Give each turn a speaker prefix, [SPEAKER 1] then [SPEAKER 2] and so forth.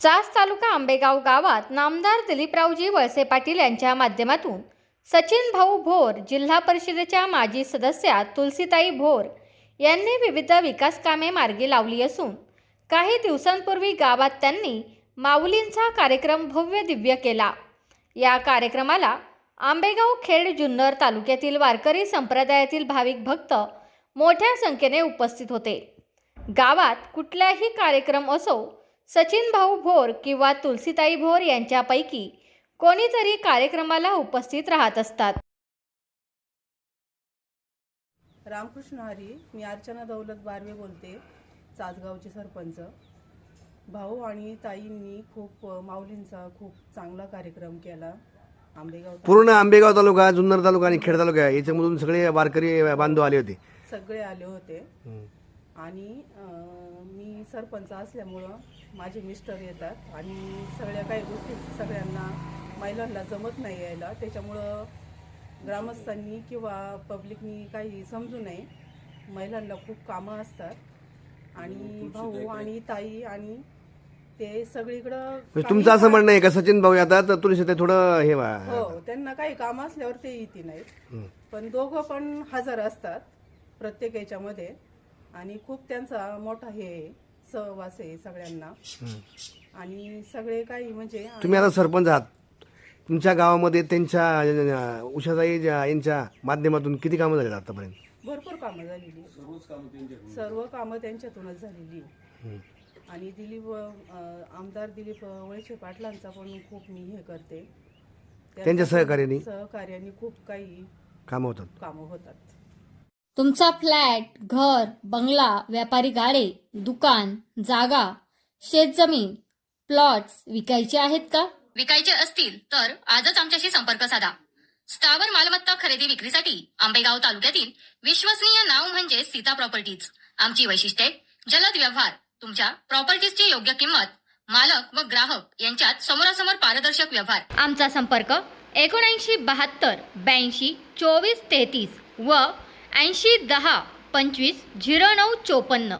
[SPEAKER 1] चास तालुका आंबेगाव गावात नामदार दिलीपरावजी वळसे पाटील यांच्या माध्यमातून सचिन भाऊ भोर, जिल्हा परिषदेच्या माजी सदस्या तुलसीताई भोर यांनी विविध विकास कामे मार्गी लावली असून काही दिवसांपूर्वी गावात त्यांनी माऊलींचा कार्यक्रम भव्य दिव्य केला। या कार्यक्रमाला आंबेगाव, खेड, जुन्नर तालुक्यातील वारकरी संप्रदायातील भाविक भक्त मोठ्या संख्येने उपस्थित होते। गावात कुठलाही कार्यक्रम असो, सचिन भाऊ भोर किंवा तुलसीताई भोर यांच्यापैकी कोणीतरी कार्यक्रमाला उपस्थित राहत असतात।
[SPEAKER 2] रामकृष्ण हरी, मी अर्चना दौलत बारवे बोलते, चासगावचे सरपंच। भाऊ आणि ताईंनी खूप माऊलींचा खूप चांगला कार्यक्रम केला।
[SPEAKER 3] पूर्ण आंबेगाव तालुका, जुन्नर तालुका आणि खेड तालुका याच्यामधून सगळे वारकरी बांधव आले होते।
[SPEAKER 2] सगळे आले होते आणि मी सरपंच असल्यामुळं माझे मिस्टर येतात आणि सगळ्या काही गोष्टी सगळ्यांना महिलांना जमत नाही यायला, त्याच्यामुळं ग्रामस्थांनी किंवा पब्लिकनी काही समजू नये। महिलांना खूप कामं असतात आणि भाऊ आणि ताई आणि ते सगळीकडं
[SPEAKER 3] तुमचं असं म्हणणं आहे का सचिन भाऊ येतात तर तुळशी ते थोडं हे
[SPEAKER 2] हो, त्यांना काही काम असल्यावर ते येते नाहीत, पण दोघं पण हजर असतात प्रत्येक याच्यामध्ये आणि खूप त्यांचा मोठा हे सहवास आहे सगळ्यांना। आणि सगळे काही म्हणजे
[SPEAKER 3] तुम्ही आता सरपंच आहात, तुमच्या गावामध्ये त्यांच्या उषाताई यांच्या माध्यमातून किती कामं झाली आतापर्यंत?
[SPEAKER 2] भरपूर कामं झालेली, सर्व कामं त्यांच्यातूनच झालेली। आणि आमदार दिलीप वळसे पाटलांचा पण खूप मी हे करते,
[SPEAKER 3] त्यांच्या सहकार्याने
[SPEAKER 2] खूप काही
[SPEAKER 3] कामं
[SPEAKER 2] होतात।
[SPEAKER 1] तुमचा फ्लॅट, घर, बंगला, व्यापारी गाडे, दुकान, जागा, शेतजमीन, प्लॉट्स विकायचे आहेत का?
[SPEAKER 4] विकायचे असतील तर आजच आमच्याशी संपर्क साधा। स्थावर मालमत्ता खरेदी विक्रीसाठी आंबेगाव तालुक्यातील विश्वसनीय नाव म्हणजे सीता प्रॉपर्टीज। आमची वैशिष्ट्ये: जलद व्यवहार, तुमच्या प्रॉपर्टीजची योग्य किंमत, मालक व ग्राहक यांच्यात समोरासमोर पारदर्शक व्यवहार।
[SPEAKER 1] आमचा संपर्क 7972 82 24 33 व 80 10 25 09 54।